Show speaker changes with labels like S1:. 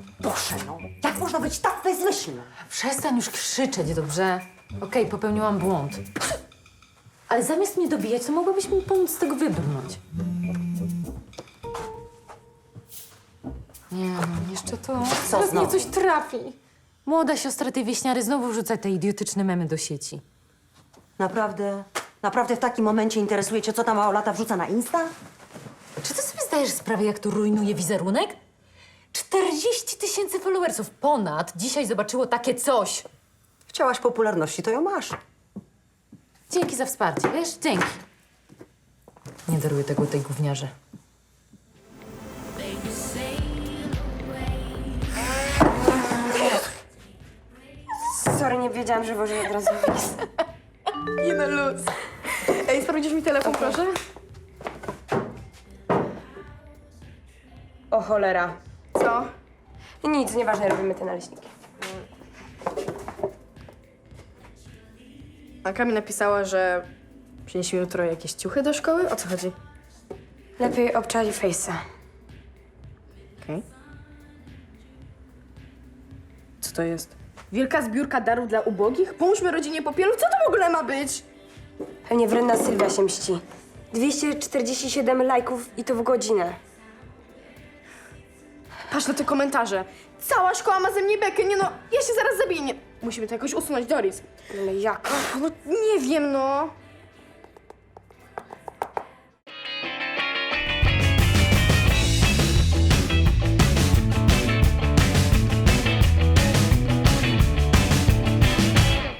S1: Boże, no. Jak można być tak bezmyślną?
S2: Przestań już krzyczeć, dobrze? Okej, popełniłam błąd. Ale zamiast mnie dobijać, to mogłabyś mi pomóc z tego wybrnąć. Nie no, jeszcze to...
S1: Co
S2: Teraz mnie
S1: znowu?
S2: coś trafi. Młoda siostra tej wieśniary znowu wrzuca te idiotyczne memy do sieci.
S1: Naprawdę w takim momencie interesuje cię, co ta małolata wrzuca na Insta?
S2: Czy ty sobie zdajesz sprawę, jak to rujnuje wizerunek? 40 000 followersów ponad dzisiaj zobaczyło takie coś.
S1: Chciałaś popularności, to ją masz.
S2: Dzięki za wsparcie, wiesz? Dzięki. Nie daruję tego tej gówniarze.
S3: Sorry, nie wiedziałam, że włożę od razu wpis.
S4: Nie no, luz. Ej, sprawdzisz mi telefon, proszę?
S3: O cholera.
S4: Co?
S3: Nic, nieważne, robimy te naleśniki.
S4: Anka mi napisała, że przyniesie mi jutro jakieś ciuchy do szkoły. O co chodzi?
S3: Lepiej obczaj face'a.
S4: Okej. Co to jest? Wielka zbiórka darów dla ubogich? Pomóżmy rodzinie Popielów? Co to w ogóle ma być?
S3: Pewnie wredna Sylwia się mści. 247 lajków i to w godzinę.
S4: Patrz na te komentarze. Cała szkoła ma ze mnie bekę. Nie no, ja się zaraz zabiję. Nie. Musimy to jakoś usunąć, Doris.
S3: Ale jak?
S4: No nie wiem, no.